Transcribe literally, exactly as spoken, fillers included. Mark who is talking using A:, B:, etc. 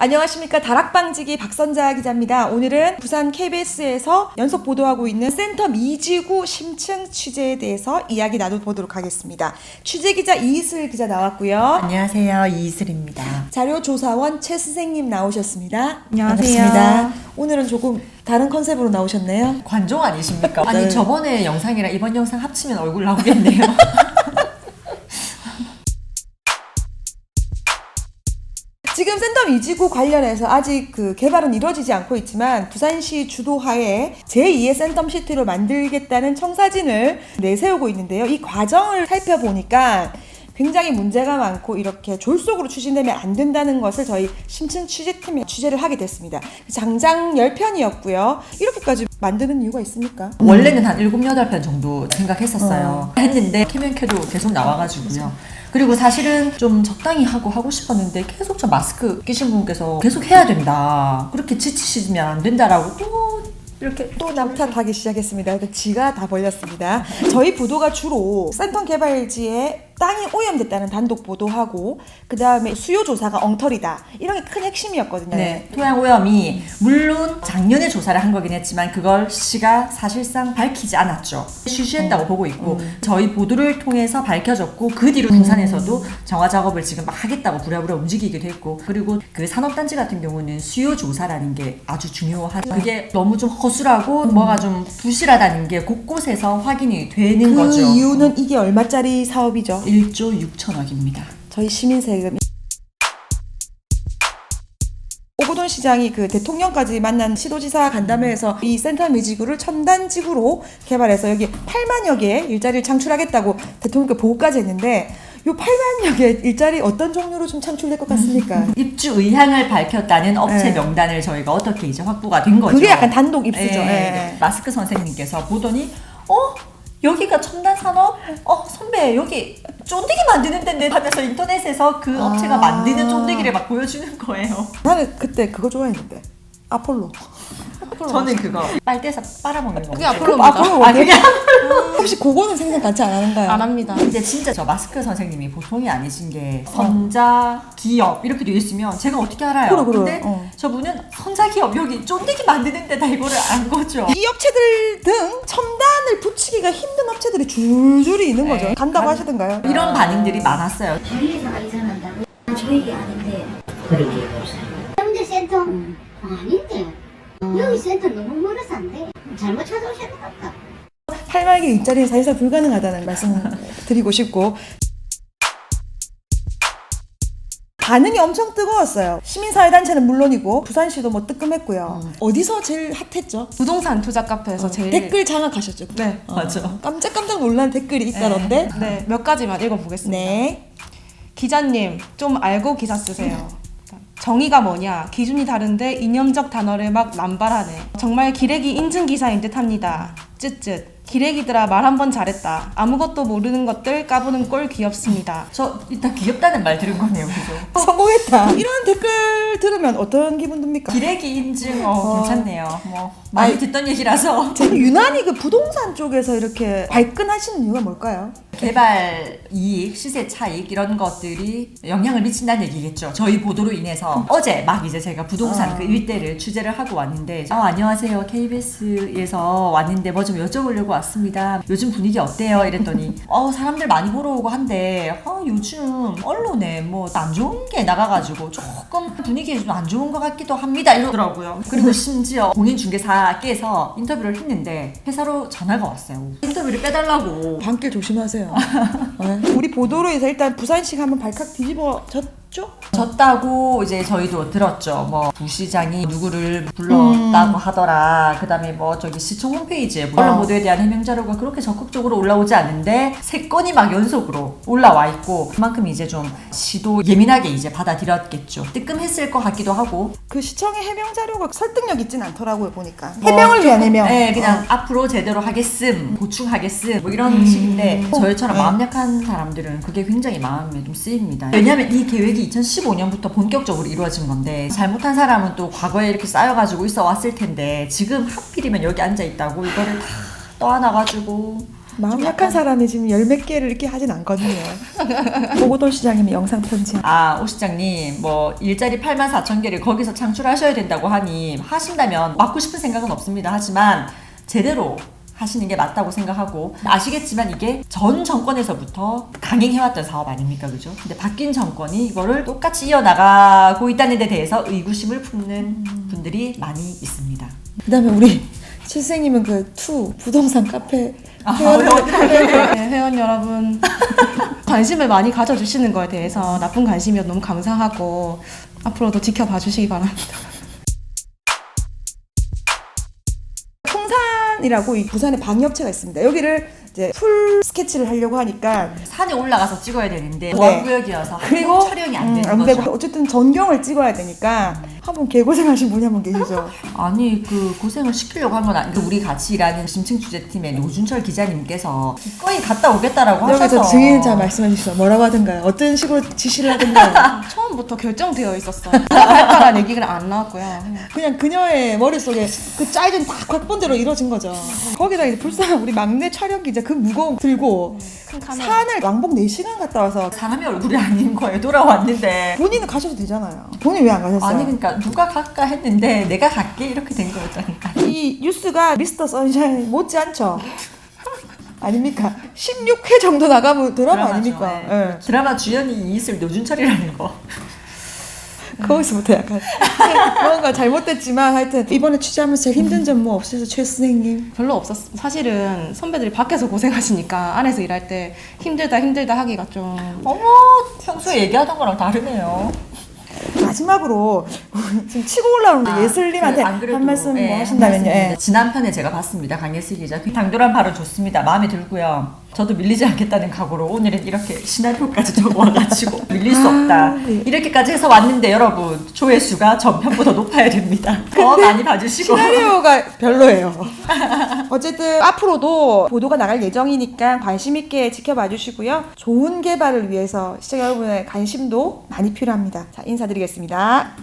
A: 안녕하십니까. 다락방지기 박선자 기자입니다. 오늘은 부산 케이비에스에서 연속 보도하고 있는 센텀 이지구 심층 취재에 대해서 이야기 나눠보도록 하겠습니다. 취재기자 이슬 기자 나왔고요.
B: 안녕하세요. 이슬입니다.
A: 자료조사원 최 선생님 나오셨습니다.
C: 안녕하세요.
A: 반갑습니다. 오늘은 조금 다른 컨셉으로 나오셨네요.
B: 관종 아니십니까? 아니
A: 네.
B: 저번에 영상이랑 이번 영상 합치면 얼굴 나오겠네요.
A: 지금 센텀 이지구 관련해서 아직 그 개발은 이루어지지 않고 있지만 부산시 주도하에 제이의 센텀시티로 만들겠다는 청사진을 내세우고 있는데요. 이 과정을 살펴보니까 굉장히 문제가 많고 이렇게 졸속으로 추진되면 안 된다는 것을 저희 심층 취재팀이 취재를 하게 됐습니다. 장장 십 편이었고요. 이렇게까지 만드는 이유가 있습니까?
B: 원래는 한 일곱, 여덟 편 정도 생각했었어요.
A: 어.
B: 했는데 캐면캐도 계속 나와가지고요. 그리고 사실은 좀 적당히 하고 하고 싶었는데 계속 저 마스크 끼신 분께서 계속 해야 된다. 그렇게 지치시면 안 된다라고 또 이렇게
A: 또 남탓하기 시작했습니다. 지가 다 벌렸습니다. 저희 보도가 주로 센텀 개발지에 땅이 오염됐다는 단독 보도하고 그 다음에 수요 조사가 엉터리다 이런 게 큰 핵심이었거든요.
B: 네, 토양 오염이 물론 작년에 조사를 한 거긴 했지만 그걸 시가 사실상 밝히지 않았죠. 쉬쉬했다고
A: 음.
B: 보고 있고
A: 음.
B: 저희 보도를 통해서 밝혀졌고 그 뒤로 부산에서도 정화 작업을 지금 막 하겠다고 부랴부랴 움직이기도 했고 그리고 그 산업단지 같은 경우는 수요 조사라는 게 아주 중요하죠. 그게 너무 좀 허술하고
A: 음.
B: 뭐가 좀 부실하다는 게 곳곳에서 확인이 되는
A: 그
B: 거죠.
A: 이유는 이게 얼마짜리 사업이죠?
B: 일조 육천억입니다.
A: 저희 시민 세금. 오고돈 시장이 그 대통령까지 만난 시도지사 간담회에서 이 센텀 이지구를 첨단지구로 개발해서 여기 팔만여 개의 일자리를 창출하겠다고 대통령께 보고까지 했는데 요 팔만여 개의 일자리 어떤 종류로 좀 창출될 것 같습니까?
B: 입주 의향을 밝혔다는 업체
A: 네.
B: 명단을 저희가 어떻게 이제 확보가 된 거죠.
A: 그게 약간 단독 입수죠.
B: 네.
A: 네.
B: 마스크 선생님께서 보더니 어? 여기가 첨단 산업? 어 선배 여기 쫀디기 만드는 데인데 하면서 인터넷에서 그
A: 아.
B: 업체가 만드는 쫀디기를 막 보여주는 거예요.
A: 나는 그때 그거 좋아했는데 아폴로.
B: 저는 그거 빨대에서 빨아먹는 거.
C: 그게 아폴로입니다.
A: 아폴로
B: 아 그게
A: 혹시 그거는 생각 같이 안 하는가요?
C: 안 합니다.
B: 근데 진짜 저 마스크 선생님이 보통이 아니신 게 선자 기업 이렇게 되어 있으면 제가 어떻게 알아요?
A: 그래, 그래.
B: 근데
A: 어.
B: 저분은 선자 기업 여기 쫀디기 만드는 데다 이거를 안 거죠.
A: 이 업체들 등 첨단을 붙이기가 힘든 업체들이 줄줄이 있는 거죠.
B: 네.
A: 간다고
B: 간-
A: 하시던가요?
B: 이런 반응들이 많았어요.
D: 저희 회사가 이전한다고? 저희 게 아닌데 그렇게 보세요. 현재 센터? 음. 아닌데 여기 센터 너무 멀어서 안 돼. 잘못 찾아오셨나 보다.
A: 팔만 개 일자리는 사실상 불가능하다는 말씀을 드리고 싶고 반응이 엄청 뜨거웠어요. 시민사회단체는 물론이고 부산시도 뭐 뜨끔했고요.
B: 음.
A: 어디서 제일 핫했죠?
C: 부동산 투자 카페에서 제일
A: 댓글 장악하셨죠?
C: 네.
A: 어,
B: 맞아.
A: 깜짝깜짝 놀란 댓글이 있다던데.
C: 네, 몇 가지만 읽어보겠습니다.
A: 네.
C: 기자님, 좀 알고 기사 쓰세요. 정의가 뭐냐? 기준이 다른데 이념적 단어를 막 남발하네. 정말 기레기 인증 기사인 듯합니다. 쯧쯧. 기레기들아 말 한 번 잘했다. 아무것도 모르는 것들 까부는 꼴 귀엽습니다.
B: 저 일단 귀엽다는 말 들은 거네요, 그죠?
A: 성공했다. 이런 댓글 들으면 어떤 기분 듭니까?
B: 기레기 인증, 어,
A: 어.
B: 괜찮네요. 뭐 많이
A: 아이,
B: 듣던 얘기라서.
A: 제가 유난히 그 부동산 쪽에서 이렇게 발끈하시는 이유가 뭘까요?
B: 개발 이익, 시세 차익 이런 것들이 영향을 미친다는 얘기겠죠. 저희 보도로 인해서 어제 막 이제 제가 부동산
A: 아.
B: 그 일대를 취재를 하고 왔는데 아 안녕하세요 케이비에스에서 왔는데 뭐 좀 여쭤보려고 왔습니다. 요즘 분위기 어때요? 이랬더니 어 사람들 많이 보러 오고 한데 어, 요즘 언론에 뭐 안 좋은 게 나가가지고 조금 분위기 좀 안 좋은 것 같기도 합니다 이러더라고요. 그리고 심지어 공인중개사께서 인터뷰를 했는데 회사로 전화가 왔어요. 인터뷰를 빼달라고.
A: 밤길 조심하세요. 네. 우리 보도로 해서 일단 부산시가 한번 발칵 뒤집어졌죠?
B: 졌다고 이제 저희도 들었죠. 뭐 부시장이 누구를 불렀다고
A: 음.
B: 하더라. 그다음에 뭐 저기 시청 홈페이지에 언론 보도에 대한 해명 자료가 그렇게 적극적으로 올라오지 않는데 세 건이 막 연속으로 올라와 있고 그만큼 이제 좀 시도 예민하게 이제 받아들였겠죠. 뜨끔했을 것 같기도 하고.
A: 그 시청의 해명 자료가 설득력 있진 않더라고요 보니까. 해명을 위한 해명.
B: 네, 그냥
A: 어.
B: 앞으로 제대로 하겠음, 보충하겠음, 뭐 이런 식인데 저희처럼
A: 네.
B: 마음 약한 사람들은 그게 굉장히 마음에 좀 쓰입니다. 왜냐하면 이 계획이 이천십오 년부터 본격적으로 이루어진 건데 잘못한 사람은 또 과거에 이렇게 쌓여가지고 있어 왔을 텐데 지금 하필이면 여기 앉아 있다고 이거를 다 떠안아가지고
A: 마음
B: 좀
A: 약한
B: 약간-
A: 사람이 지금 열 몇 개를 이렇게 하진 않거든요. 보고돌 시장님이 영상 편지.
B: 아, 오 시장님, 뭐, 일자리 팔만 사천 개를 거기서 창출하셔야 된다고 하니, 하신다면 막고 싶은 생각은 없습니다. 하지만, 제대로 하시는 게 맞다고 생각하고, 아시겠지만 이게 전 정권에서부터 강행해왔던 사업 아닙니까? 그죠? 근데 바뀐 정권이 이거를 똑같이 이어나가고 있다는 데 대해서 의구심을 품는 분들이 많이 있습니다.
A: 그 다음에 우리 칠생님은 그 투 부동산 카페
B: 아,
A: 회원
C: 네, 회원 여러분 관심을 많이 가져주시는 거에 대해서 나쁜 관심이어 너무 감사하고 앞으로도 지켜봐 주시기 바랍니다.
A: 풍산이라고 이 부산에 방위업체가 있습니다. 여기를 이제 풀 스케치를 하려고 하니까
B: 산에 올라가서 찍어야 되는데,
A: 네.
B: 보안구역이어서
A: 그리고
B: 한국 촬영이 안 되는
A: 음, 안
B: 거죠.
A: 되고 어쨌든 전경을 찍어야 되니까 한 분 개고생하신 분이 한 분 계시죠.
B: 아니 그 고생을 시키려고 한 건 아닌데 우리 같이 일하는 심층 취재팀의 노준철 기자님께서 기꺼이 갔다 오겠다라고 하셔서
A: 여기서 증인자 말씀해 주시죠. 뭐라고 하든가요? 어떤 식으로 지시를 하든가요?
C: 처음부터 결정되어 있었어요. 할까라는 얘기가 안 나왔고요.
A: 그냥 그녀의 머릿속에 그 짜여진 딱 각본대로 이루어진 거죠. 거기다 이제 불쌍한 우리 막내 촬영 기자 그 무거운 거 들고
C: 큰 카메라.
A: 산을 왕복 네 시간 갔다 와서
B: 사람의 얼굴이 아닌 거예요. 돌아왔는데
A: 본인은 가셔도 되잖아요. 본인 왜 안 가셨어요?
B: 아니 그러니까 누가 갈까 했는데 내가 갈게 이렇게 된 거였다니까.
A: 이 뉴스가 미스터 선샤인 못지않죠? 아닙니까? 십육 회 정도 나가면 드라마
B: 드라마죠.
A: 아닙니까?
B: 네.
A: 예.
B: 드라마 주연이 이이슬 노준철이라는 거.
A: 거기서부터 약간 뭔가 잘못됐지만 하여튼 이번에 취재하면서 제일 힘든 점 뭐 없으셔서 최 선생님?
C: 별로 없었어. 사실은 선배들이 밖에서 고생하시니까 안에서 일할 때 힘들다 힘들다 하기가 좀
B: 어머 평소에 얘기하던 거랑 다르네요.
A: 마지막으로 지금 치고 올라오는데
B: 아,
A: 예슬님한테
B: 그, 안 그래도,
A: 한 말씀
B: 예,
A: 뭐
B: 한
A: 하신다면요?
B: 말씀입니다.
A: 예.
B: 지난 편에 제가 봤습니다. 강예슬 기자. 그 당돌한 발언 좋습니다. 마음에 들고요. 저도 밀리지 않겠다는 각오로 오늘은 이렇게 시나리오까지 적어와가지고 밀릴 수 없다.
A: 네.
B: 이렇게까지 해서 왔는데 여러분 조회수가 전편보다 높아야 됩니다. 더 많이 봐주시고.
A: 시나리오가 별로예요. 어쨌든 앞으로도 보도가 나갈 예정이니까 관심 있게 지켜봐 주시고요. 좋은 개발을 위해서 시청자 여러분의 관심도 많이 필요합니다. 자, 인사드리겠습니다.